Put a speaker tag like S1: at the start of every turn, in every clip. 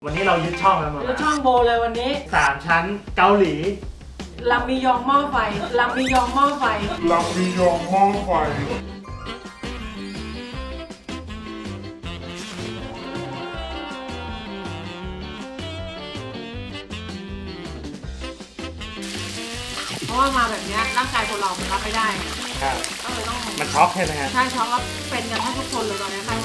S1: วันนี้เรายึดช่องแล้วมั้ง
S2: ยึดช่องโบเลยวันนี้
S1: 3 ชั้นเกาหลี
S2: ลำมียองหม้อไฟลำมียองหม้อไฟ
S3: ลำมียองหม้อไฟ
S2: เพราะว่ามาแบบนี้ร่างกายคนเรามันรับไม่ได้
S1: ครับ
S2: ก็เลยต้อง
S1: มันช็อกใช่ไหมฮะ
S2: ใช่ช็อกแล้วเป็นกันทั้งทุกคนเลยตอนนี้ไม่ไหว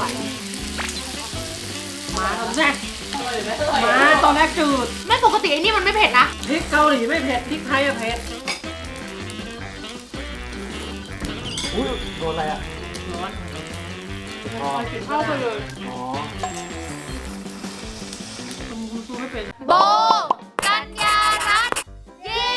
S2: มาตอนแรกมาตอนแรกจืด
S4: ไม่ปกติไอ้นี่มันไม่เผ็ดนะ
S2: พริกเกาหลีไม่เผ็ดพริกไทยอะเผ็ด
S1: อุ้ยโดนอะไรอ่ะ
S2: ร้อน
S1: อ๋อ
S2: เข้าไปเลย
S1: อ๋อ
S2: คุณซูไม่เป็น
S4: โบกัญญารัตน์เย้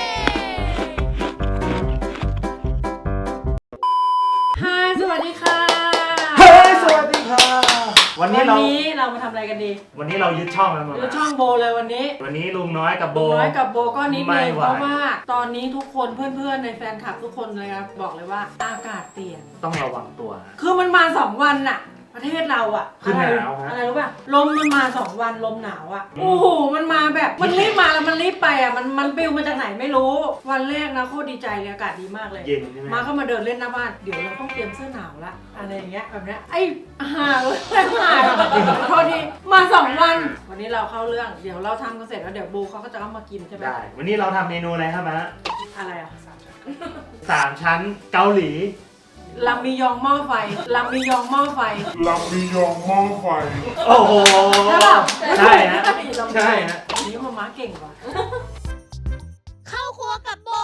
S2: ฮายสวัสดีค่ะ
S1: เฮ้ยสวัสดีค่ะวันนี้
S2: เรามาทำอะไรกันดี
S1: วันนี้เรายึดช่องแล้วมั้ง
S2: ยึดช่องโบเลยวันนี้
S1: ลุงน้อยกับโบ
S2: ก็นิดนึงเพราะว่าตอนนี้ทุกคนเพื่อนๆในแฟนคลับทุกคนเลยครับบอกเลยว่าอากาศเปลี่ยน
S1: ต้องระวังตัว
S2: คือมันมา2 วันน่ะประเทศเราอะ
S1: คือหนาวฮะ
S2: อะไรรู้ป่ะลมมันมา2 วันลมหนาวอะโอ้โหมันมาแบบมันรีบมาแล้วมันรีบไปอะมันปิวมาจากไหนไม่รู้วันแรกนะโคตรดีใจเลยอากาศดีมากเลย
S1: เย็นใช่ไหม
S2: มาเข้ามาเดินเล่นหน้าบ้านเดี๋ยวเราต้องเตรียมเสื้อหนาวละอะไรอย่างเงี้ยแบบเนี้ยไอ้ห่าเลยห่าพอดีมา2 วันวันนี้เราเข้าเรื่องเดี๋ยวเราทำกันเสร็จแล้วเดี๋ยวโบเขาก็จะเอามากินใช่ไหม
S1: ได้วันนี้เราทำเมนูอะไรครับมะ
S2: อะไรอะ
S1: 3 ชั้นเกาหลี
S2: ลำมียองหม้อไฟลำมียองหม้อไฟ
S3: ลำมียองหม้อไฟ
S1: โอ้โหใช่ฮะใช่ฮะ
S2: นี่มาเก่งกว่า
S4: เข้าครัวกับโบ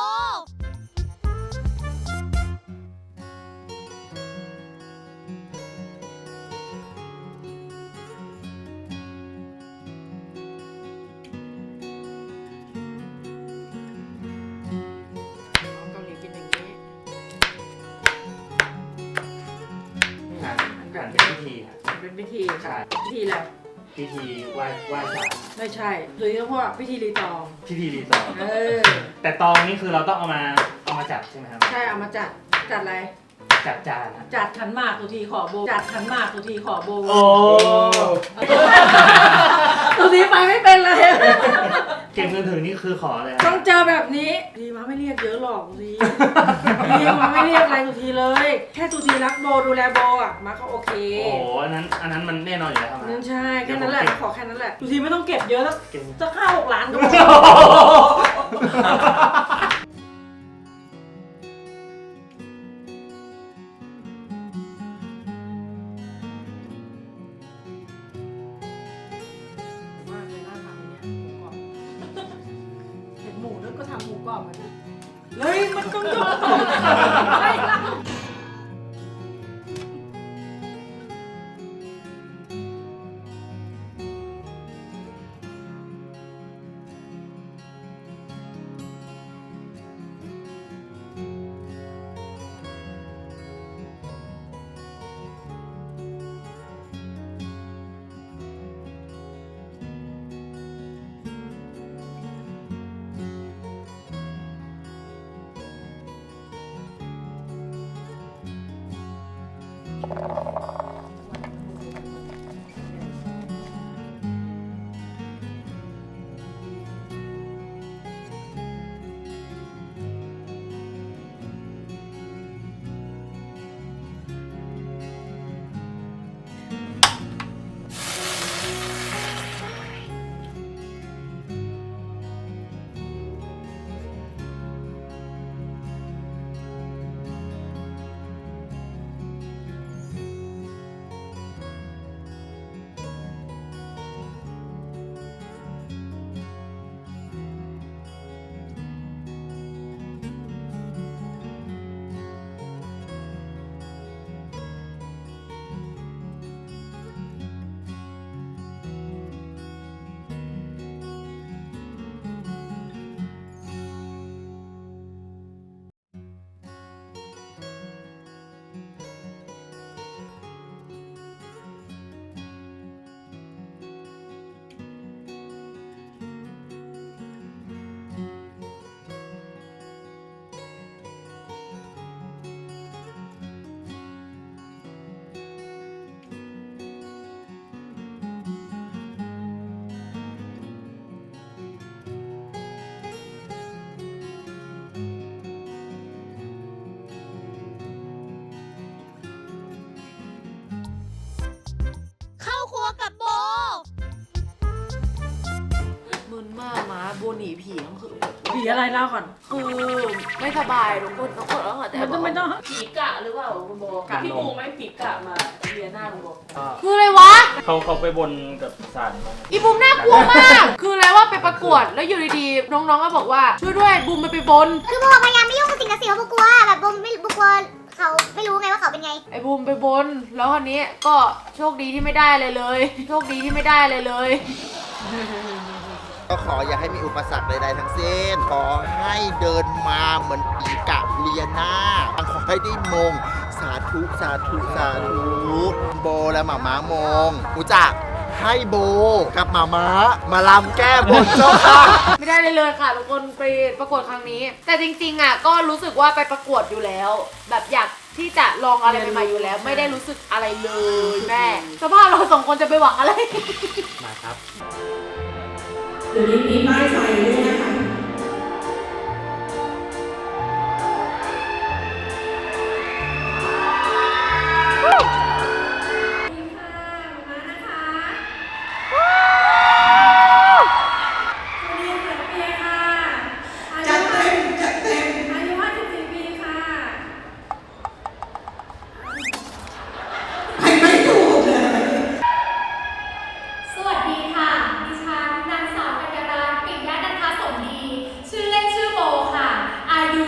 S2: เกาหลีกินอย่างนี้
S1: การเป็นพิธีครับ
S2: เป็นพิธี
S1: ใช่
S2: พิธีอะไร
S1: พิธีไหว้ศาล
S2: ไม่ใช่หรือเรียกว่าพิธีรีตอง
S1: รีตองแต่ตองนี่คือเราต้องเอามาจัดใช่ไหมครับ
S2: ใช่เอามาจัดอะไร
S1: จัดจาน
S2: จัดขันหมากตุทีขอโบจัดขันหมากตุทีขอโบ
S1: โอ้
S2: ตุทีไปไม่เป็นเลย
S1: เก็บเงินถึงนี่คือขอเลย
S2: ต้องเจอแบบนี้ทีมาไม่เรียกเยอะหรอกตุทีมาไม่เรียกอะไรตุทีเลยแค่ตุทีรักโบดูแลโบอ่ะมาก็โอเค
S1: โอ้อันนั้นมันแน่นอนอยู่แล้วครับ
S2: นั่นใช่แค่นั้นแหละขอแค่นั้นแหละตุทีไม่ต้องเก็บเยอะสัก5-6 ล้านก็พอหมูแล้วก็ทำหมูกรอบมันเฮ้ยมันต้องยกต่อไปแล้ว
S5: โบหนีผีก็คือ
S2: ผีอะไรเล่าก่อน
S5: คือไม่สบายทุกคนแล้วค่ะแต่
S2: มันต้องไม่ต้อง
S5: ผีกะหรือเปล่าคุณโบพี่ปูไม่ผีกะมาเรียนหน้าคุณโบ
S1: ก็
S5: คืออะไรวะ
S1: เขาไปบนกับศาล
S5: อีบูมน่ากลัวมาก คืออะไรว่าไปประกวดแล้วอยู่ดีๆน้องๆก็บอกว่าช่วยด้วยบูมมันไปบน
S6: คือโบพยายามไม่ยุ่งกับสิ่งศักดิ์สิทธิ์เพราะโบกลัวแบบโบไม่โบกลัวเขาไม่รู้ไงว่าเขาเป็นไง
S5: ไอ้บูมไปบนแล้วคันนี้ก็โชคดีที่ไม่ได้เลยเลย โชคดีที่ไม่ได้เลยเลย
S7: ก็ขออย่าให้มีอุปสรรคใดๆทั้งสิ้น ขอให้เดินมาเหมือนปีกะเลียนาขอให้ได้มง สาธุ สาธุ สาธุ โบและหมาม้ามงกูจะให้โบกับหมาม้ามาลำแก้บนเจ้าค่ะ
S5: ไม่ได้เลยค่ะทุกคนไปประกวดครั้งนี้ แต่จริงๆอ่ะก็รู้สึกว่าไปประกวดอยู่แล้ว แบบอยากที่จะลองอะไรใหม่ๆอยู่แล้ว ไม่ได้รู้สึกอะไรเลยแม่สภาพเราสองคนจะไปหวังอะไร
S1: มาครับ
S8: เดี๋ยวนี้มีป้ายไฟด้วยนะคะ จัดเต็ม จัดเต็ม
S2: อายุ54 ปีค่ะ
S8: ให้ไม่ถูกเลย
S4: สวัสดีค่ะ ดิฉันนางสาวกัญญารัตน์ปิยะนันทสมดี ชื่อเล่นชื่อโบค่ะ อายุ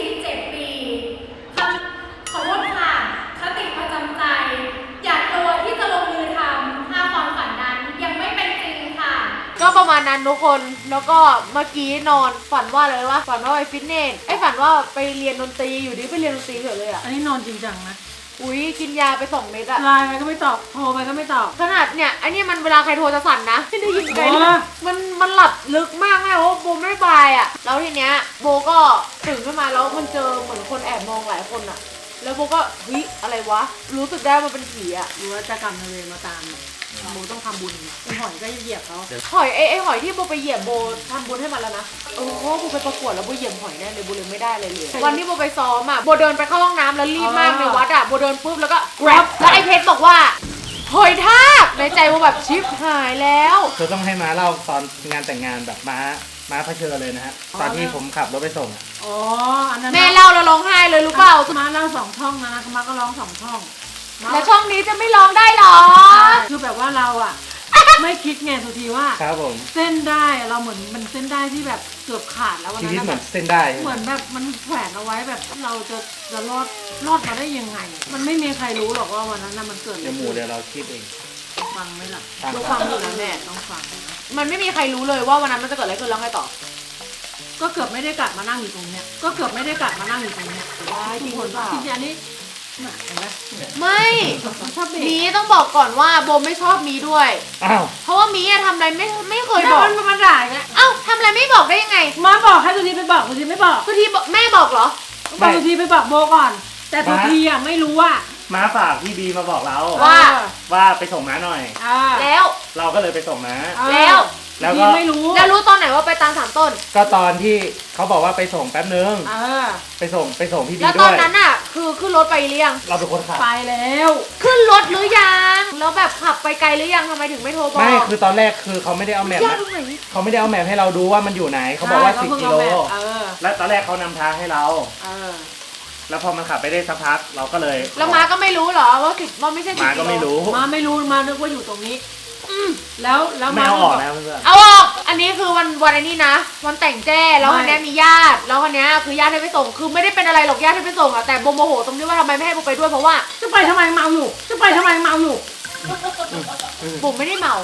S4: 27 ปีขอโทษค่ะ คติประจำใจ อยากตัวที่จะลงมือทำถ้าความฝันนั้นยังไม่เป็นจริงค่ะ
S5: ก็ประมาณนั้นทุกคนแล้วก็เมื่อกี้นอนฝันว่าอะไรวะฝันว่าไปฟิตเนสฝันว่าไปเรียนดนตรีอยู่ดีไปเรียนดนตรีเฉยเลยอ่ะ
S2: อันนี้นอนจริงจังนะ
S5: อุ้ยกินยาไป2 เม็ดอะ
S2: ไลน์ไปก็ไม่ตอบ โทรไปก็ไม่ตอบ
S5: ขนาดเนี่ยไอ้นี่มันเวลาใครโทรจะสั่นนะไม่ได้ยินใคร
S2: โอ้
S5: เลยมันหลับลึกมากแม่เพราะว่าโบไม่บายอะแล้วทีเนี้ยโบก็ตื่นขึ้นมาแล้วมันเจอเหมือนคนแอบมองหลายคนอะแล้วโบก็เฮ้ยอะไรวะรู้สึกได้มันเป็นผีอะ
S2: รู้ว่าจะกรรมนายเวรมาตามโมต้องทำบุญไอ้หอยก็เหยียบเขา
S5: หอยไอ้หอยที่โบไปเหยียบโบทำบุญให้มันแล้วนะเพราะว่าโบไปประกวดแล้วโบเหยียบหอยแน่เลยโบเลยไม่ได้เลยวันที่โบไปซ้อมอะโบเดินไปเข้าห้องน้ำแล้วรีบมากในวัดอะโบเดินปุ๊บแล้วก็ grab แล้วไอ้เพชรบอกว่าหอยทากในใจโบแบบชิปหายแล้ว
S1: คือต้องให้ม้าเล่าตอนงานแต่งงานแบบม้าเผชิญเลยนะฮะ ตอนที่ผมขับรถไปส่งอะ
S2: อ๋อ อันนั้น
S5: แม่เล่าแล้วร้องไห้เลยรู้เปล่า
S2: มาเล่า2 ช่องนะมาก็ร้อง2 ช่อง
S5: แล้วช่องนี้จะไม่ร้องได้หรอ
S2: คือแบบว่าเราอะไม่คิดไงสุทีว่า
S1: ครับผม
S2: เส้นได้เราเหมือนมันเส้นได้ที่แบบเกือบขาดแล้ววัน
S1: ชี
S2: นั้
S1: วิต
S2: น
S1: เหมื
S2: แบ
S1: อน
S2: บ
S1: เส้นได้
S2: เหมือนแบบมันแขวนเอาไว้แบบเราจะรอดมาได้ยังไง มันไม่มีใครรู้หรอกว่าวันนั้นน่ะมันเกิดอะไร
S1: เดี๋ยวหมู
S2: ขึ้น
S1: เดี๋ยวเราคิดเอง
S2: ฟังไหมล่ะ
S1: ฟัง
S5: รู้ฟังอยู่นะแม่
S2: ต้องฟังนะ
S5: มันไม่มีใครรู้เลยว่าวันนั้นมันจะเกิดอะไรขึ้นแล้วไงต่อ
S2: ก็เกือบไม่ได้กลับมานั่งอยู่ตรงเนี้ยก็เกือบไม่ได้กลับมานั่งอยู่ตรงเนี้ย
S5: ว้ายจริงหรือเปล่า
S2: จริงๆอันนี้น่ะเห็นไหม
S5: ไม่
S2: ชอบเบร
S5: มี
S2: ก
S5: ต้องบอกก่อนว่าโบไม่ชอบมีด้วย
S1: อ้าว
S5: เพราะว่ามีอะทำอะไรไม่เคย
S2: แล้ว
S5: บอก
S2: มันมาด่าอย่างเงี้ย
S5: เอ้าทำอะไรไม่บอกได้ยังไง
S2: มาบอกให้สุธีไปบอกสุธีไม่บอก
S5: ทุกทีบอกแม่บอกเหรอ
S2: บอกสุธีไปบอกโบก่อน แต่สุธีอ่ะไม่รู้ว่า
S1: ม้าฝากพี่บีมาบอกเรา
S5: ว่า
S1: ว่าไปส่งม้าหน่อย
S5: แล้ว
S1: เราก็เลยไปส่งม้า
S5: แล้ว
S1: แล้ว
S2: สุ
S1: ก็
S2: ธีไม่รู้
S5: แล้วรู้ตอนไหนว่าไปตามสามต้น
S1: ก็ตอนที่เขาบอกว่าไปส่งแป๊บนึง ไปส่งพี่บี
S5: แล้วต
S1: ด้
S5: อ
S1: วน ย
S5: นั้นอ่ะคือขึ้นรถไปหรือยัง
S1: เราเป็นคนขับ
S2: ไปแล้ว
S5: ขึ้นรถหรือยังแล้วแบบขับไปไกลหรือยังทำไมถึงไม่โทรบอก
S1: ไม่คือตอนแรกคือเขาไม่ได้เอาแมพ
S5: ยาก
S1: นะ
S5: ตรงไหน
S1: เขาไม่ได้เอาแมพให้เราดูว่ามันอยู่ไหน เขาบอกว่า
S2: ใช่
S1: 10 กิโล
S2: เออ
S1: แล้วตอนแรกเขานำทางให้เรา
S2: เออ
S1: แล้วพอมันขับไปได้สักพักเราก็เลย
S5: แล้วม้าก็ไม่รู้เหรอว่าว่าไม่ใช่10
S1: ม้าก็ไม่รู้
S2: มาไม่รู้มานึกว่าอยู่ตรงนี้แล้ว
S1: ไม่
S2: มา
S1: เอาออกนะเพื่อน
S5: เอาออก อันนี้คือวันไอ้นี้นะ วันแต่งแจ้แล้ววันนี้มีญาติ แล้ววันนี้คือญาติให้ไปส่ง คือไม่ได้เป็นอะไรหรอกญาติให้ไปส่งอะแต่โบโมโหตรงที่ว่าทำไมไม่ให้โบไปด้วยเพราะว่า
S2: จะไปทำไมเมาอยู่ จะไปทำไมเมาอยู่
S5: โบไม่ได้เมา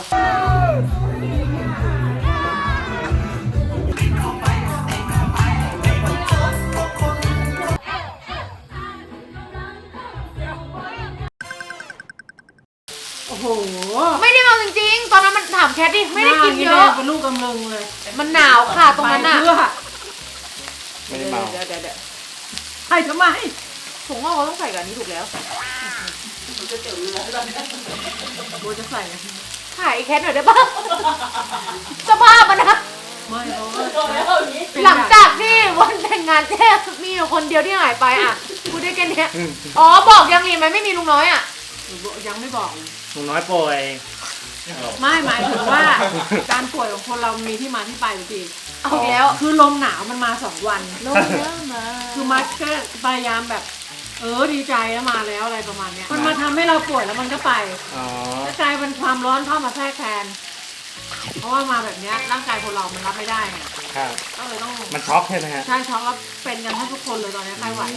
S2: โอ้โห
S5: ไม่ได้เมาจริงๆ ตอนนั้นมันถามแคทดิ ไม่ได้กินเยอะ
S2: เป็นลูกกำลังเลย
S5: มันหนาวค่ะตรงนั้นอะ
S2: ไปเพื่อ
S1: ไม่ได้เมา
S5: เดี๋ยว
S2: ใครทำไม
S5: ผมว่าเขาต้องใส่กับอันนี้ถูกแล้ว
S2: โบจะใส่ไง
S5: ถ่ายไอ้แคทหน่อยได้ปะสภาพมันนะ
S2: ไม่เพราะว่า
S5: หลังจากที่วันแต่งงานแจ้มีอยู่คนเดียวที่หายไปอะพูดได้แค่เนี้ยอ๋อบอกยังมีไหมไม่มีลุงน้อยอะ
S2: ยังไม่บอกเลย
S1: หนูน้อยป่วย
S2: ไม่หมายถึงว่า การป่วยของคนเรามีที่มาที่ไปจริง
S5: เอาอีกแล้ว
S2: คือลมหนาวมันมา2 วัน
S5: ลงแล้วมา
S2: คือมัดก็พยายามแบบ ดีใจแล้วมาแล้วอะไรประมาณเนี้ยมันมาทำให้เราป่วยแล้วมันก็ไป
S1: อ๋อ
S2: ก็กลายเป็นความร้อนเข้ามาแทรกแทน เพราะว่ามาแบบเนี้ยร่างกายคนเรามันรับไม่ได้ไง
S1: ครับ
S2: ก็เลยต้อง
S1: มันช็อกใช่ไหมฮะ
S2: ใช่ช็อกแล้วเป็นกันทั้งทุกคนเลยตอนนี้ใครไหว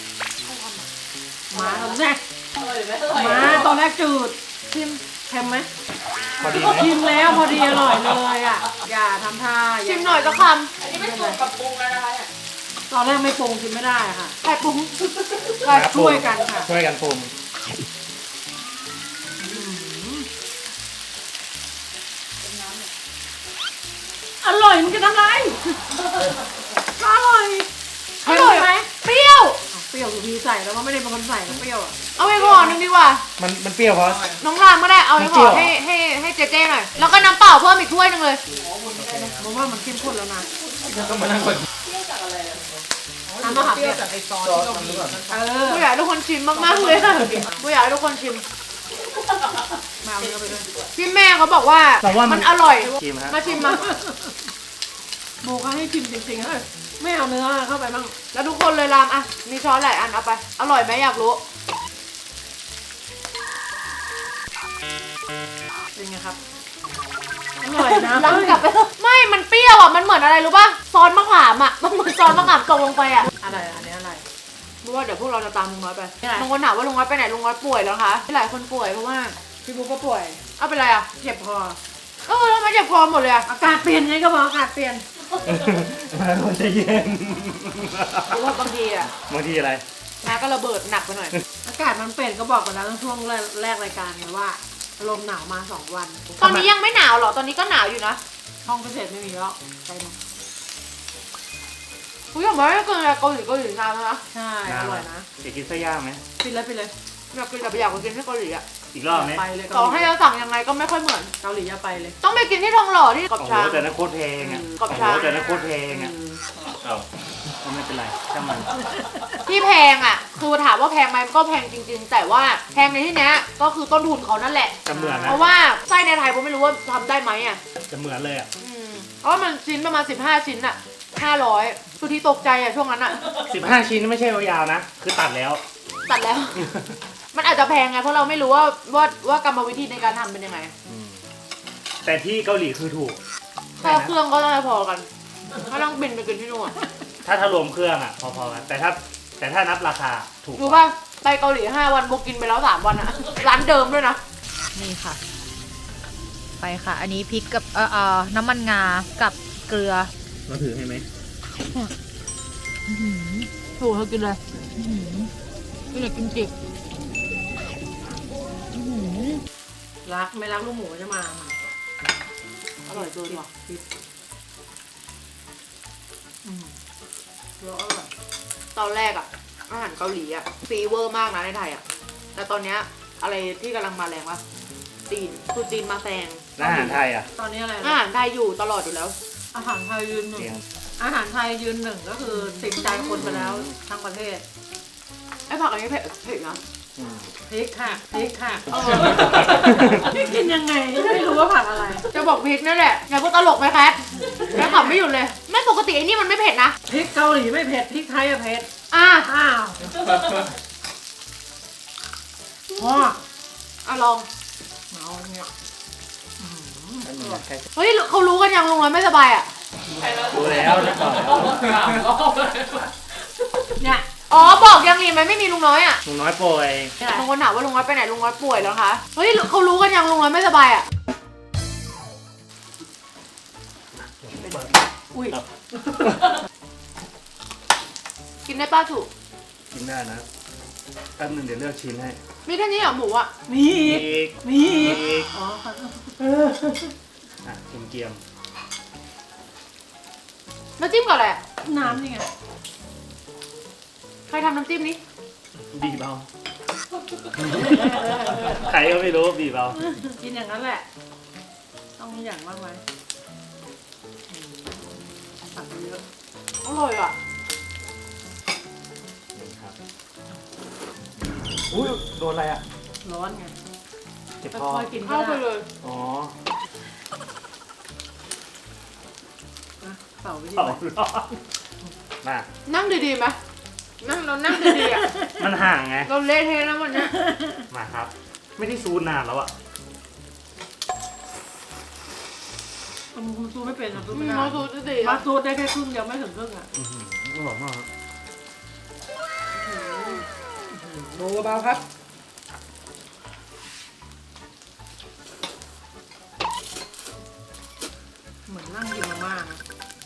S2: มาตอนแรกมาตอนแรกจืดชิมเค็มไหม
S1: พอดีไหม
S2: ชิมแล้วพอดีอร่อยเลยอ่ะอย่าทำท่า
S5: ชิมหน่อยก็ค
S2: อันนี้ไม่ปรุงกับปรุงแล้วนะคะตอนแรกไม่ปรุงชิมไม่ได้ค่ะ
S5: ำไข่ปรุง
S2: ก็ช่วยกันค่ะ
S1: ช่วยกันปรุง
S2: อร่อยมันจะทำไรอร่อย
S5: อร่อยไหมเปรี้ยว
S2: เปรี้ยวสุพีใส่แล้วว่าไม่ได้เป็นคนใส่ก็เปรี้ยวอ่ะ
S5: เอาไปห่อหนึงดีกว่า
S1: มันเปรี้ยวเพราะ
S5: น้องรามก็ได้ เอาไปห่อ
S1: มันเปรี้ยว
S5: ให้เจ๊ๆหน่อย แล้วก็น้ำเปล่าเพิ่มอีกถ้วยหนึงเลย
S2: ผมว่ามันเข้มข้นแล้วนะ
S1: ต้องมานั่งกด
S2: น้ำมะขามเปียก
S5: กูอยากให้ทุกคนชิมมากๆเลยกูอยากให้ทุกคนชิม
S2: มาเอาเนื้อไปด้วย
S5: พี่แม่เขาบอกว่า
S1: แต่ว่ามั
S5: มัน นอร่อย
S1: ชิมฮะ
S5: มาชิมมา
S2: โบเขาให้ชิมจริงๆเลยไม่เอาเนื้อเข้าไปบ้าง
S5: แล้วทุกคนเลยรามอ่ะ มีช้อนหลายอันเอาไป อร่อยไหมอยากรู้
S2: เป็นไงครับ อร่อยนะ
S5: ล้างกลับไปเถอะไม่ มันเปรี้ยวอ่ะ มันเหมือนอะไรรู้ป่ะ ซอสมะขามอ่ะ มันเหมือนซอสมะขามตกลงไปอ่ะ
S2: อะไรอันนี้อะไร
S5: รู้ว่าเดี๋ยวพวกเราจะตามลุงน้อยไป
S2: ไม่เป็นไร
S5: บางคนถามว่าลุงน้อยไปไหน ลุงน้อยป่วยแล้วคะหลายคนป่วยเพราะว่า
S2: พี่บุ๊กก็ป่วย
S5: เอาเป็นไรอ่ะ
S2: เจ็บคอ
S5: ทำไมเจ็บคอหมดเลยอ่ะ
S2: อากาศเปลี่ยนไงก็บอกอากาศเปลี่ยน
S1: มาคนจะเย็น
S5: หรือว่าบางทีอ่ะ
S1: บางทีอะไร
S5: น้าก็ระเบิดหนักไปหน่อย
S2: อากาศมันเปลี่ยนก็บอกไปแล้วตั้งช่วงแรกรายการไงว่าลมหนาวมา2 วัน
S5: ตอนนี้ยังไม่หนาวหรอ ตอนนี้ก็หนาวอยู่นะ
S2: ห้องพิเศษไม่มีแล้วไปมา
S5: กูอยากมาให้เกินเกาหลีนานแล้วนะ
S2: ใช่อร่อยนะ
S1: จะกินไส้ย่างไหม
S2: ปิดเลยปิดเลย
S5: อยากกินแต่ไปอยากไปกินที่เกาหลีอ่ะ
S1: อีกรอบไหม
S2: ไปเลย
S5: ต่อให้เราสั่งยังไงก็ไม่ค่อยเหมือน
S2: เกาหลีอย่าไปเลย
S5: ต้องไปกินที่ทองหล่อที่กอบ
S1: โอ้โห
S5: ช้าง
S1: แต่นั้นโคตรเพลงอ่ะ
S5: กรอบช้าง
S1: โอ้โหแต่นั้นโคตรเพลงอ่ะเอ้าก็ไม่เป็นไรช่างมัน
S5: ที่แพงอ่ะ คือถามว่าแพงไหมมันก็แพงจริง ๆ แต่ว่าแพงในที่เนี้ยก็คือต้นทุนเขานั่นแหละ
S1: จะเหมือน
S5: เพ
S1: นะ
S5: ราะว่าไส้ในไทยผมไม่รู้ว่าทำได้ไหมอ่ะ
S1: จะเหมือนเลยอ่ะ
S5: เพราะว่ามันชิ้นประมาณ15 ชิ้นอ่ะ500สุดที่ตกใจอ่ะช่วงนั้นอ่ะ
S1: 15 ชิ้นไม่ใช่ยาวๆนะ คือตัดแล้ว
S5: ตัดแล้ว มันอาจจะแพงไงเพราะเราไม่รู้ว่ากรรมวิธีในการทำเป็นยังไง
S1: แต่ที่เกาหลีคือถูก
S5: แค่เครื่องก็น่าจะพอกันไม่ต้องบินไปกินที่นู่น
S1: ถ้ารวมเครื่องอ่ะ พอๆกัน แต่ถ้านับราคาถูก
S5: รู้ป่ะไปเกาหลี5 วันโบกินไปแล้ว3 วันอะร้านเดิมด้วยนะ
S9: นี่ค่ะ ไปค่ะ อันนี้พริกกับน้ำมันงากับเกลือ
S1: เราถือให้ไหม
S5: ถูกเธอกินเลยกินเลยกินจิก
S2: รักไม่รักลูกหมูจะมา
S5: อร่อยเกินว่ะ
S2: เดี๋ยวอร่อย
S5: ตอนแรกอะอาหารเกาหลีอะฟีเวอร์มากนะในไทยอะแต่ตอนเนี้ยอะไรที่กำลังมาแรงวะจีนคือจีนมาแซง
S1: แล้วอาหารไทยอ่ะ
S2: ตอนนี้อะไร
S5: อา
S2: นะ
S5: หารไทยอยู่ตลอดอยู่แล้ว
S2: อาหารไทยยืนหนึ่ง
S1: เสียง
S2: อาหารไทยยืนหนึ่งก็คือติดใจคนไปแล้วทั้งประเทศ
S5: ไอ้ผักอันนี้เผ็ดนะ
S2: พริกค่ะพริกค่ะพี่กินยังไงไม่รู้ว่าผักอะไร
S5: จะบอกพริกนั่นแหละอย่าพูดตลกไหมแคทแค่ขำไม่หยุดเลย ไม่ปกติไอ้นี่มันไม่เผ็ดนะ
S2: พริกเกาหลีไม่เผ็ดพริกไทยอะเผ็ด
S5: อ่ะ
S2: อ้าวพ่อ
S5: ลอง
S2: เอาเนี่ย
S5: เฮ้ยเขารู้กันยังลุงน้อยไม่สบายอะ
S1: รู้แล้วนะก่อนแล้ว
S2: เนี่ย
S5: อ๋อบอกยังรีไหมไม่มีลุงน้อยอะ
S1: ลุงน้อยป่วย
S5: บางคนถามว่าลุงน้อยไปไหนลุงน้อยป่วยแล้วคะเฮ้ยเขารู้กันยังลุงน้อยไม่สบายอะอุ้ยกินได้ป้าถูก
S1: กินได้นะแป๊บนึงเดี๋ยวเลือกชิ้นให้
S5: มีแค่นี้เหรอหมูอะ
S2: มีอีก
S1: อีก
S2: มีอีก
S1: อีก
S2: อ๋อ
S1: อ่ะเกียม
S5: น้ำจิ้มกับอะไรอะ
S2: น้ำนี่ไง
S5: ใครทำน้ำจิ้มนี้
S1: บีบเอาใครก็ไม่รู้บีบเอา
S2: กินอย่างนั้นแหละ ต้องมีอย่างมากไหมสั่งไปเยอะ
S5: อร่อยอะ
S1: นี่ครับอุ้ยโดนอะไรอ่ะ
S2: ร้อนไง
S1: จเจ็บคอ
S2: ค่อยๆกินก็
S5: เข้าไป
S2: ได้
S5: เลย
S1: อ๋อ
S2: นะเป่าไปที่
S1: เป่า
S2: ไหน
S1: ร้อนมา
S5: นั่งดีๆไหมเรานั่งดีๆอ่ะ
S1: มันห่างไง
S5: เราเละเทะนะวันเนี้ย
S1: มาครับ ไม่ได้ซูนนานแล้วอะ
S2: คุณซูไม่เป็นนะซูไม่ได้
S5: เราสูตรดี
S2: มาซูได้แค่ครึ่งเดียวไม่ถึงครึ่งอ่ะ
S1: อร่อยมากครับ
S2: ดูเบาๆครับ เหมือนนั่งกินมาม่านะ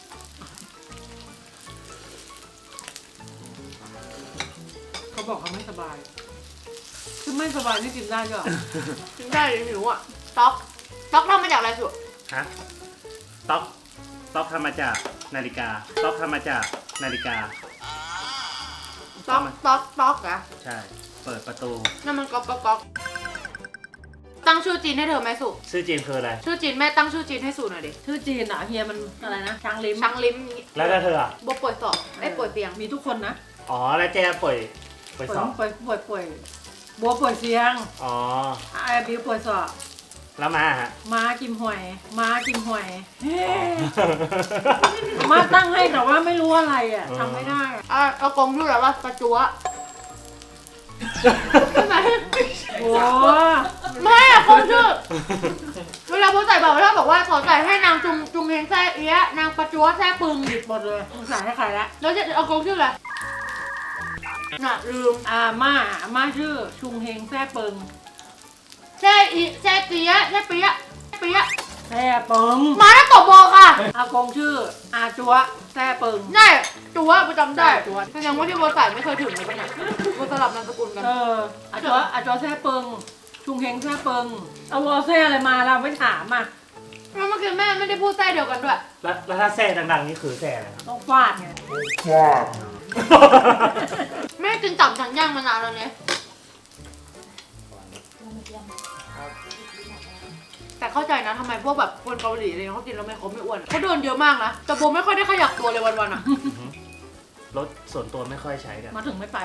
S2: เขาบอกเขาไม่สบาย คือไม่สบายนี่กินได้ด้วยเหรอ
S5: กินได้เลยหิวอ่ะต๊อกทำมาจากอะไรสุด
S1: ฮะต๊อกทำมาจากนาฬิกาต๊อกทำมาจากนาฬิกา
S5: ต๊อกอะ
S1: ใช่ เปิดประตู
S5: นั่นมันก๊อกตั้งชื่อจีนให้เธอไหมสุ
S1: ชื่อจีนคืออะไร
S5: ชื่อจีนแม่ตั้งชื่อจีนให้สุหน่อยดิ
S2: ชื่อจีนอ่ะเฮียมันอะไรนะช้างลิ้ม
S5: ช้างลิ้ม
S1: แล้วเธออะ
S5: บัวป่วยสอบป่วยเตียง
S2: มีทุกคนนะ
S1: อ๋อ แล้วแจ้ป่วยสอบ
S2: ป่วยบัวป่วยเสียง
S1: อ๋อ
S2: ไอ้บิวป่วยสอบ
S1: แล้วมาฮะ
S2: ม้ากิมหวยเฮ้มาตั้งให้แต่ว่าไม่รู้อะไรอ่ะทำไม่ได้อะ
S5: เอากงชื่ออะไรวะประจัวใช่ไหม
S2: โอ้
S5: ไม่อะกงชื่อเวลาโพสใส่บอกว่าบอกว่าขอใส่ให้นางจุงเฮงแซ่เอี้ยนางประจัวแซ่ปึง
S2: ผิดหมดเลยสงสารให้ใครละ
S5: แล้วจะเอากงชื่ออะไรน่ะลืม
S2: ม่าชื่อชุงเฮงแซ่เปิง
S5: แซ่เตี้ยแซ่เปี๊ยะ
S2: แซ่เปิง
S5: มาแล้วตบโบค่ะ
S2: อากงชื่ออาจัวแซ่เปิง
S5: ใช่จัวประจำได้
S2: จั๊ว
S5: แสดงว่าที่โบใส่ไม่เคยถึงเลยปะเนี่ยโบสลับนามสกุลกัน
S2: อาจัวแซ่เปิงชุงเฮงแซ่เปิงเอาวอแซ่อะไรมาเราไม่ถามอ่ะ
S5: แล้วเมื่อกี้แม่ไม่ได้พูดแซ่เดียวกันด้วย
S1: แล้วถ้าแซ่ดังๆนี่คือแซ่อะไรครับ
S2: ต้องฟาดไง
S3: ฟาด
S5: แม่กินตับฉันย่างมานานแล้วเนี่ยแต่เข้าใจนะทำไมพวกแบบคนเกาหลีอะไรเขากินแล้วไม่อ้วนเขาเดินเยอะมากนะแต่โบไม่ค่อยได้ขยับตัวเลยวันๆอ่ะ
S1: รถส่วนตัวไม่ค่อยใช้กัน
S2: มาถึงไม่ไป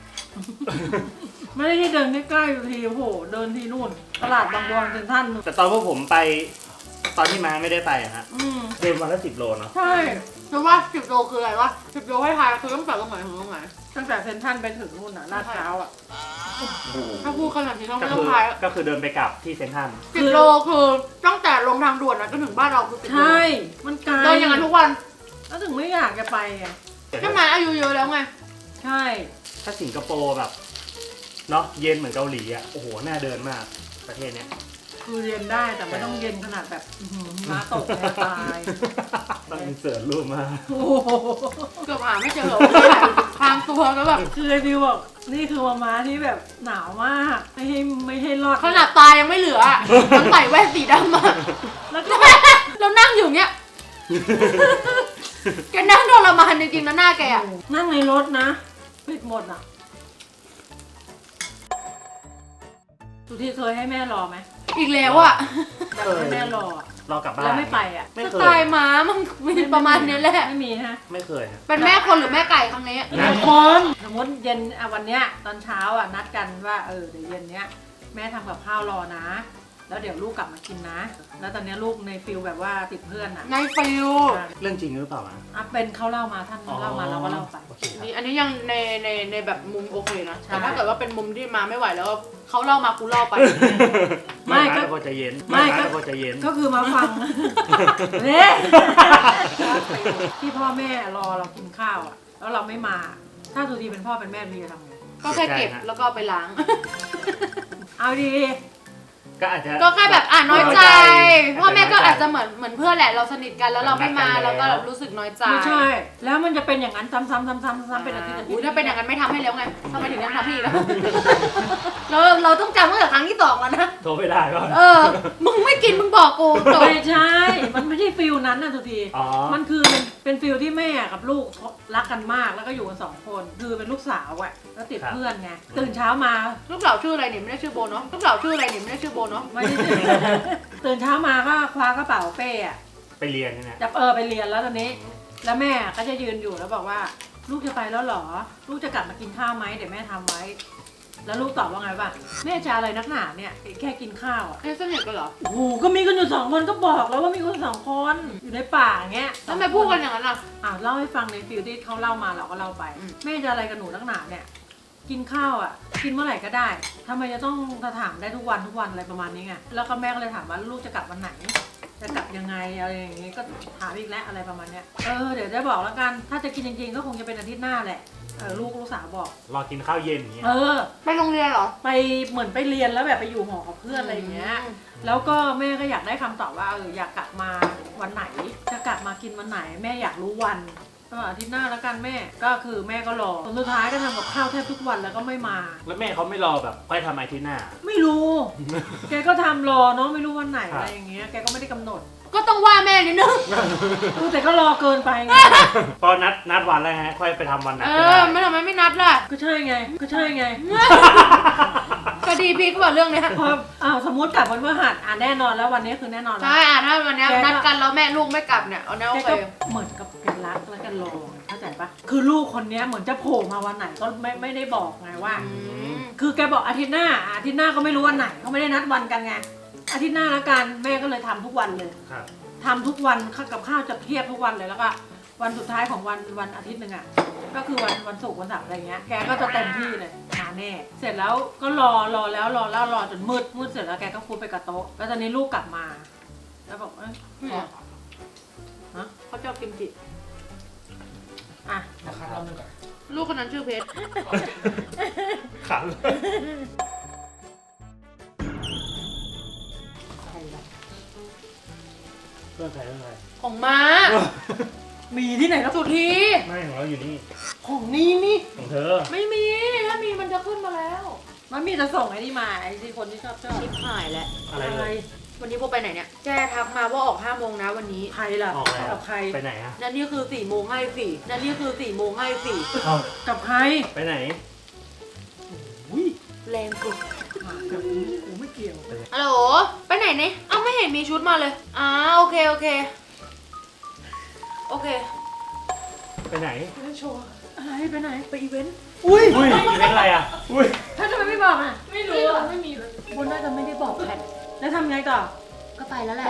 S2: ไม่ได้ที่เดินใกล้ๆอยู่ทีโอ้โหเดินที่นู่น ตลาดบางบอนเซ็นทรัล
S1: แต่ตอนพวกผมไป ตอนที่มาไม่ได้ไปอะฮะ
S2: อืม
S1: เดินวันละ10 โลเนาะ
S2: ใช่
S5: เพราะว่า10 โลคืออะไรวะ10 โลให้ทายคือต้องจากตรงไหนถึงตรงไหน
S2: ตั้งแต่เซ็นทรัลไปถึงนู่นน่ะลาดพร้าวอ่ะ
S5: ถ้าพูดขนาดนี้ต้อง
S1: ก็
S5: ไม่ต้
S1: คือ
S5: องทาย
S1: ก็คือเดินไปกลับที่เซ็นทรัล
S5: 10 โลคือตั้งแต่ลงทางด่วนนะจนถึงบ้านเราคือ10 โล
S2: ใช่ มันไกล
S5: เดินอย่างนั้นทุกวัน
S2: แล้วถึงไม่อยากจะไปไง
S5: ใช่ไหมอายุเยอะแล้วไง
S2: ใช่
S1: ถ้าสิงคโปร์แบบเนาะเย็นเหมือนเกาหลีอ่ะโอ้โหน่าเดินมากประเทศเนี้ย
S2: คือเรียนได้แต่ไม่ต้องเย็นขนาดแบบม้าตกเลยตาย
S1: ต้องอินเสิร์ตรูปมา
S2: โอ้โห
S5: เกือบหาไม่เจอว่าที่ไหนทางตัวแล้วแบบ
S2: คือไอ้บิวบอกนี่คือม้าที่แบบหนาวมากไม่ให้รอด
S5: ขนาดตายังไม่เหลืออ่ะมันใส่แว่นสีดำมา
S2: แล้วก็
S5: เรานั่งอยู่เนี้ยแกนั่งทรมานจริงๆนะหน้าแกอ่ะ
S2: นั่งในรถนะปิดหมดอ่ะสุธีเคยให้แม่รอไหม
S5: อีกแล้วอ่ะ
S2: แบบให้แม่รออะ
S1: รอกลับบ้าน
S2: แล้วไม่ไปอ่ะ
S1: ไม่
S5: ส
S1: เค
S5: ไต
S1: ย
S5: ล์ม้ามันมีประมาณนี้แหละ
S2: ไม่มีฮะ
S1: ไม่เคยฮะ
S5: เป็นแม่คนหรือแม่ไก่ครั้งนี้
S1: นะ
S2: คนสมมติเย็นวันเนี้ยตอนเช้าอ่ะนัดกันว่าเดี๋ยวเย็นเนี้ยแม่ทำกับข้าวรอนะ แล้วเดี๋ยวลูกกลับมากินนะ แล้วตอนเนี้ยลูกในฟิลแบบว่าติดเพื่อนอ่ะ
S5: ในฟิล
S1: เรื่องจริงหรือเปล่าอ่ะ
S2: เป็นเขาเล่ามาท่านเล่ามาเราก็เล่าไป
S1: โอเคครับ
S5: นี่อันนี้ยังในแบบมุมโอเคนะ
S2: ใช่
S5: แต่ถ้าเกิดว่าเป็นมุมที่มาไม่ไหวแล้วเขาเล่ามากูเล่าไป
S2: ไม่ก็
S1: พอจะเย็น
S2: ไม่ก็
S1: พอจะเย็น
S2: ก็คือมาฟัง เนี่ยที่พ่อแม่รอเรากินข้าวอ่ะ แล้วเราไม่มา ถ้าสุธีเป็นพ่อเป็นแม่พี่จะทำไง
S5: ก็แค่เก็บแล้วก็เอาไปล้าง
S2: เอาดี
S1: ก็อาจจะ
S5: ก็แค่แบบน้อยใจ
S1: น้อยใจ
S5: พ่อแม่ก็
S1: อา
S5: อา
S1: จ
S5: จ
S1: จะ
S5: จะเหมือนเพื่อนแหละเราสนิทกันแล้วเราไม่มา
S1: เหมือนนั
S5: เรา
S1: ดกั
S5: ก็
S1: นแล้ว
S5: รู้สึกน้อยใจ
S2: ไม่ใช่ แล้วมันจะเป็นอย่างนั้นซ้ำๆเป็นอาทิตย์
S5: อุ้ยถ้าเป็นอย่างนั้นไม่ทำให้แล้วไงทำไมถึงยังทำพี่อีกแล้ว เราต้องจำตั้งแต่ครั้งที่2แล้วนะ
S1: โทรไม่ได้ก่อน
S5: มึงไม่กินมึงบอกกูจบ
S2: ไม่ใช่ มันไม่ใช่ฟิลนั้นนะสุธี
S1: อ๋อ
S2: มันคือเป็นฟิลที่แม่กับลูกรักกันมากแล้วก็อยู่กัน2 คนคือเป็นลูกสาวอ่ะแล้วติดเพื่อนไงตื่นเช้ามา
S5: ลูกสาวชื่ออะไรนี่ไม่ได้ชื่อโบเนาะลูกสาวชื่ออะไรนี่ไม่ได้ชื่อโบเนาะ
S2: ไม่ได้ตื่นเช้ามาก็คว้ากระเป๋าเป้อะ
S1: ไปเรียนใช่ไหม
S2: จะไปเรียนแล้วตอนนี้ แล้วแม่ก็จะยืนอยู่แล้วบอกว่า ลูกจะไปแล้วเหรอ ลูกจะกลับมากินข้าวไหมเดี๋ยวแม่ทำไว้แล้วลูกตอบว่าไงป่ะแม่จะอะไรนักหนาเนี่ยแค่กินข้าวอ่ะ
S5: เอ๊ะสนิทกันเหรอ
S2: โอ้โหก็มีกันอยู่2 คนก็บอกแล้วว่ามีคน2 คนอยู่ในป่าอย่างเงี้ย
S5: แล้วทำไมพูดกันอย่างนั้นล่ะ
S2: เล่าให้ฟังในฟิลที่เขาเล่ามาเราก็เล่าไป แม่จะอะไรกับหนูนักหนาเนี่ยกินข้าวอ่ะกินเมื่อไหร่ก็ได้ทำไมจะต้องถามได้ทุกวันอะไรประมาณนี้ไงแล้วก็แม่ก็เลยถามว่าลูกจะกลับวันไหนจะกลับยังไงอะไรอย่างงี้ก็ถามอีกแล้วอะไรประมาณเนี้ยเดี๋ยวจะบอกแล้วกันถ้าจะกินจริงๆก็คงจะเป็นอาทิตย์หน้าแหละลูกสาวบอก
S1: รอกินข้าวเย็นอย่างเงี้ย
S5: ไปโรงเรียนเหรอ
S2: ไปเหมือนไปเรียนแล้วแบบไปอยู่หอกับเพื่อนอะไรอย่างเงี้ยแล้วก็แม่ก็อยากได้คำตอบว่าอยากกลับมาวันไหนจะกลับมากินวันไหนแม่อยากรู้วันก็อาทิตย์หน้าแล้วกันแม่ก็คือแม่ก็รอจนสุดท้ายก็ทำกับข้าวแทบทุกวันแล้วก็ไม่มา
S1: แล้วแม่เขาไม่รอแบบค่อยทำอาทิตย์หน้า
S2: ไม่รู้ แกก็ทำรอเนาะไม่รู้วันไหนอะไรอย่างเงี้ยแกก็ไม่ได้กำหนด
S5: ก็ต้องว่าแม่นิดนึง
S2: แต่ก็รอเกินไปไง
S1: พอนัดวันแล้วฮะค่อยไปทำวันนั้น
S5: เอ
S1: ก็ได้
S5: อไม่ทำไมไม่นัดล่ะ
S2: ก็ใช่ไง
S5: ก็ดีพี่ก็บอกเรื่องเนี้ย
S2: พอสมมติกลับวันพฤหัสแน่นอนแล้ววันนี้คือแน่นอนแล้ว
S5: ใช่ถ้าวันเนี้ยนัดกันแล้วแม่ลูกไม่กลับเนี่ยเอาแน่โอ
S2: แก
S5: เค
S2: ก็เหมือนกับแกรักแล้วกันรอเข้าใจปะคือลูกคนเนี้ยเหมือนจะโผล่มาวันไหนก็ไม่ได้บอกไงว่า คือแกบอกอาทิตย์หน้าก็ไม่รู้วันไหนเขาไม่ได้นัดวันกันไงอาทิตย์หน้าแล้วกันแม่ก็เลยทำทุกวันเลย
S1: ครับ
S2: ทำทุกวันกับข้าวจะเทียบทุกวันเลยแล้วก็วันสุดท้ายของวันอาทิตย์หนึ่งอ่ะก็คือวันศุกร์วันเสาร์อะไรเงี้ยแกก็จะเต็มที่เลยมาแน่เสร็จแล้วก็รอจนมืดเสร็จแล้วแกก็ฟูดไปกับโต๊ะแล้วตอนนี้ลูกกลับมาแล้วบอกเขาชอบกิมจิอ่ะ
S5: ลูกคนนั้นชื่อเพชร
S1: ขัน เพื่อนใคร
S5: ของม้า
S2: มีที่ไหนแล้ว
S5: สุธี
S1: ไม่ของเราอยู่นี่
S2: ของนี่
S1: ของเธอ
S5: ไม่มีถ้ามีมันจะขึ้นมาแล้ว
S2: มันมีจะส่งไอ้นี่มาไอ้ที่คนที่ชอบ
S5: ชิบหายแล้ว
S1: อะไรเลย
S5: วันนี้โบไปไหนเนี่ยแจ้ทักมาว่าออก5 โมงนะวันนี้
S2: ใครล่ะ
S1: ออกแล้ว
S2: กับใคร
S1: ไปไหนอะ
S5: นั่นนี่คือ4 โมงให้สี่นั่นนี่คือ4 โมงให้สี่
S1: เอา
S2: กับใคร
S1: ไปไหน
S5: แรงสุด
S2: กับกูไม่เกี่ยว
S5: ฮัลโหลไปไหนเนี่ยเอ้าไม่เห็นมีชุดมาเลยโอเคโอเค
S1: ไปไหน
S2: อะไรไปไหนไปอีเวนต์
S1: อุ้ยเป็นอะไรอะอุ้ย
S2: ถ้าทำไมไม่บอกอ่ะไม่รู้อ่ะไม่มีบนน่าจะไม่ได้บอกแพทแล้วทำไงต่อ
S5: ก็ไปแล้วแหละ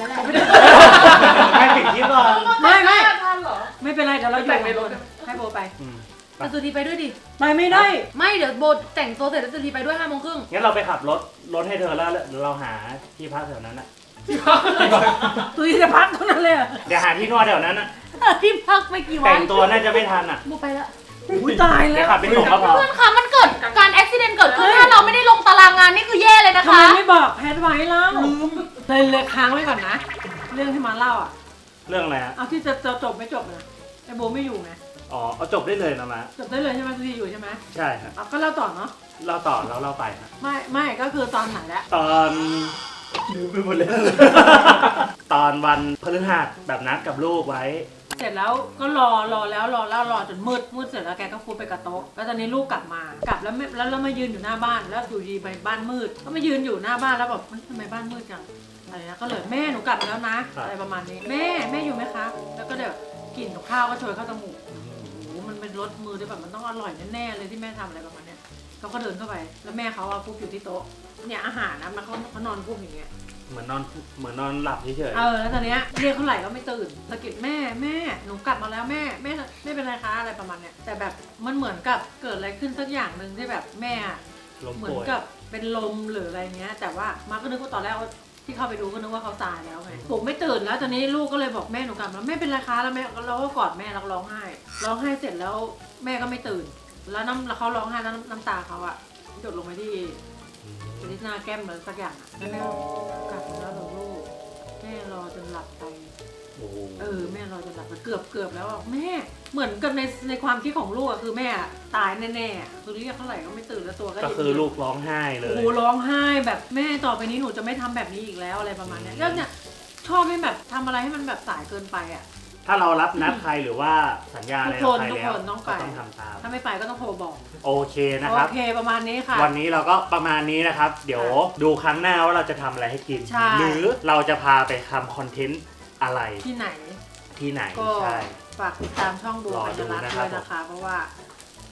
S1: ไม่ปิดคลิปก่อน
S2: ไม่เป็นไรเดี๋ยวเราอยู่ในรถให้โบไป
S5: แต่สุธีไปด้วยดิ
S2: ไปไม่ได้
S5: ไม่เดี๋ยวโบแต่งตัวเสร็จแล้วสุธีไปด้วย5 โมงครึ่ง
S1: งั้นเราไปขับรถให้เธอแล้วเราหาที่พักแถวนั้นอะ
S2: ตุยจะพักเท่านั้นเลยอ่ะ
S1: เดี๋ยวหาที่นวดแถวนั้นอะ
S2: ที่พักไม่กี่วั
S1: แต่
S2: น
S1: งตัวน่าจะไม่ทันอะ
S5: โบไปแล้ว
S2: อุ้ยตาย
S1: เดี๋
S2: แล้
S1: ยว วขับไปส่งก็พอ
S5: เพื่อนคะมันเกิดการอุบิเหตุเกิดขึ้นถ้าเราไม่ได้ลงตารางงานนี่คือแย่เลยนะ
S2: ทำไม
S5: คะ
S2: ไม่บอกแพทไว้เล่าเลยค้างไว้ก่อนนะ เรื่องที่มาเล่าอ่ะ
S1: เรื่องอะไรฮะ
S2: เอาที่จะจบไม่จบนะไอโบไม่อยู่ไง
S1: อ๋อเอาจบได้เลยนะมะ
S2: จบได้เลยใช่ไหมตุยอยู่ใช่ไหม
S1: ใช่ครับ
S2: เอาก็เล่าต่อเนาะ
S1: เราต่อแล้วเราไปฮะ
S2: ไม่ก็คือตอนไหนแล้ว
S1: ตอนลืมไปหมดแล้ว ตอนวันพฤหัสแบบนัดกับลูกไว้
S2: เสร็จแล้วก็รอจนมืดเสร็จแล้วแกก็ฟูดไปกับโต๊ะแล้วตอนนี้ลูกกลับแล้วเรามายืนอยู่หน้าบ้านแล้วอยู่ดีไปบ้านมืดก็มายืนอยู่หน้าบ้านแล้วแบบทำไมบ้านมืดจังอะไรนะก็เลยแม่หนูกลับมาแล้วนะอะไรประมาณนี้แม่อยู่ไหมคะแล้วก็เดี๋ยวกลิ่นกับข้าวก็โชยเข้าจมูกโอ้โหมันเป็นรสมือด้วยแบบมันต้องอร่อยแน่ๆเลยที่แม่ทำอะไรประมาณเนี้ยเขาก็เดินเข้าไปแล้วแม่เขาฟุบอยู่ที่โต๊ะเนี่ยอาหารนะมันเขานอนฟุบอย่างเงี้ย
S1: เหมือนนอนหลับเฉย
S2: แล้วตอนเนี้ยเรียกเท่าไหร่ก็ไม่ตื่นสะกิดแม่หนูกลับมาแล้วแม่ไม่เป็นไรคะอะไรประมาณเนี้ยแต่แบบมันเหมือนกับเกิดอะไรขึ้นสักอย่างหนึ่งที่แบบแม่อะ
S1: ๆลม
S2: เหมือน
S1: ป่วย
S2: กับเป็นลมหรืออะไรเงี้ยแต่ว่ามาก็นึกว่าตอนแรกที่เข้าไปดูก็นึกว่าเขาตายแล้วไงผมไม่ตื่นแล้วตอนนี้ลูกก็เลยบอกแม่หนูกลับแล้วแม่เป็นไรคะแล้วแม่เราก็กอดแม่แล้วร้องไห้เสร็จแล้วแม่ก็ไม่ตื่นแล้วเขาร้องไห้แล้วน้ำตาเขาอะหยดลงไปที่หน้าแก้มเหมือนสักอย่างอะแล้วแม่ก็กลับมาแล้วเหรอลูกแม่รอจนหลับไป
S1: โอ้โห
S2: แม่เราจะหลับเกือบแล้วอ่ะแม่เหมือนกับในความคิดของลูกอะคือแม่ตายแน่ๆคือเรียกเท่าไหร่ก็ไม่ตื่นแล้วตัวก็
S1: ก็คือลูกร้องไห้เล
S2: โอ้
S1: ย
S2: โหร้องไห้แบบแม่ต่อไปนี้หนูจะไม่ทำแบบนี้อีกแล้วอะไรประมาณเนี้ยเรื่องเนี้ยชอบให้แบบทำอะไรให้มันแบบสายเกินไปอ่ะ
S1: ถ้าเรารับนัดใครหรือว่าสัญญาอะไรกับใคร
S2: ทุก
S1: แล้ว
S2: คนต้องไป
S1: ก็ต้องทำตาม
S2: ถ้าไม่ไปก็ต้องโทรบอก
S1: โอเคนะครับ
S2: โอเคประมาณนี้ค่ะ
S1: วันนี้เราก็ประมาณนี้นะครับ เดี๋ยวดูครั้งหน้าว่าเราจะทำอะไรให้กิน
S2: ใช่
S1: หรือเราจะพาไปทำคอนเทนต์อะไร
S2: ที่ไหน
S1: ที่ไหน
S2: ก็
S1: ใช่
S2: ฝากติดตามช่องบัว
S1: รอ
S2: กัญ
S1: ดู
S2: ญารัตน์
S1: นะครับ
S2: ด้วยนะคะ เพราะว่า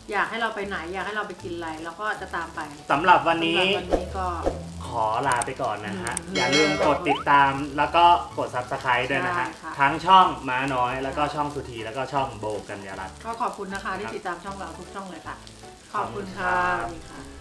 S2: อยากให้เราไปไหนอยากให้เราไปกินอะไรเราก็จะตามไป
S1: สำหรับวันนี้
S2: สำหรับวันนี้ก็
S1: ขอลาไปก่อนนะฮะ
S2: อืม
S1: อย่าลืมกดติดตามแล้วก็กด Subscribe ด้วยนะฮะ
S2: ใช่ค่ะ
S1: ทั้งช่องม้าน้อยแล้วก็ช่องสุธีแล้วก็ช่องโบกัญญารัตน์
S2: ก็ขอบคุณนะคะที่ติดตามช่องเราทุกช่องเลยค่ะ ขอบคุณค่ะ
S1: ขอบคุณครับ
S2: สวัสดีค่ะ